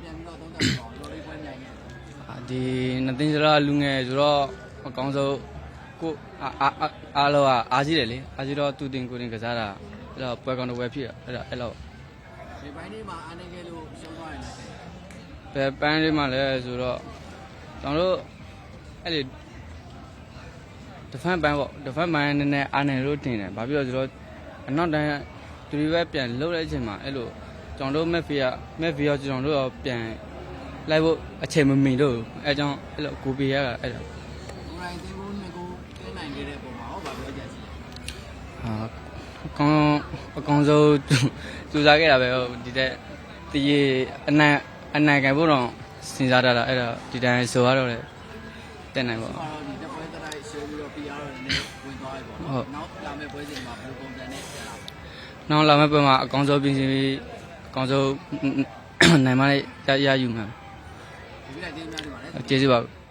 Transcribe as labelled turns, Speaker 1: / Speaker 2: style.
Speaker 1: ဒီနှစ်သိန်းစရာလူငယ်ဆိုတော့အကောင်းဆုံးကိုအားလုံးအားကြီးတယ်လေအားကြီးတော့သူတင်ကိုတင်ကစားတာအဲ့တော့ပွဲကောင်းတော့ပွဲဖြစ်အဲ့တော့
Speaker 2: ဒီပိုင်းလေးမှာအားနေခဲ့လို့ရှုံးသွားရင်လည်း
Speaker 1: ဘယ်ပန်းလေးမှလည်းဆိုတော့ကျွန်တော်တို့အဲ့ဒီဒဖန်ပန်းပေါ့ဒဖန်ပန်းနည်းနည်းအားနေလို့တင်တယ်ဘာဖြစ်လို့ဆိုတော့အနောက်တိုင်းသူတွေပဲပြန်လှုပ်တဲ့အချိန်မှာအဲ့လိုကျွန်တော်တို့မက်ဖီယာကျွန်တော်တို့ရောပြန်လိုက်ဖို့အချိန်မမီလို့အဲကြောင့်အဲ့လိုကိုပေးရတာအဲ့ဒါ
Speaker 2: ကိုရိုင်းသေးဘူးနှစ်ကိုတင်းနိုင်ခဲ့တဲ့ပုံမှာဟောဗာပြောကြစီ
Speaker 1: အကောင်ဆုံးစူးစားခဲ့တာပဲဒီတဲ့ဒီအနိုင်ကန်ဖို့တော့စဉ်းစားတာအဲ့ဒါဒီတိုင်းဆိုရတော့လေတက်နိုင်ပေါ့
Speaker 2: ဒီတပွဲတိုင်းရှုံးပြီးတော့ PR တွေနဲ့ဝင်သွားပြီပေါ့နော်နောက်လာမယ့်ပွဲစဉ်မှာဘယ်လိုပုံစံနဲ့ဆက်လာ
Speaker 1: နောက်လာမယ့်ပွဲမှာအကောင်ဆုံးပြင်ပြီးအကောင်ဆုံးနိုင်မရယူမှာ
Speaker 2: ဒီလိုက်တင်းများနေပါလေ
Speaker 1: ကျေးဇူးပါ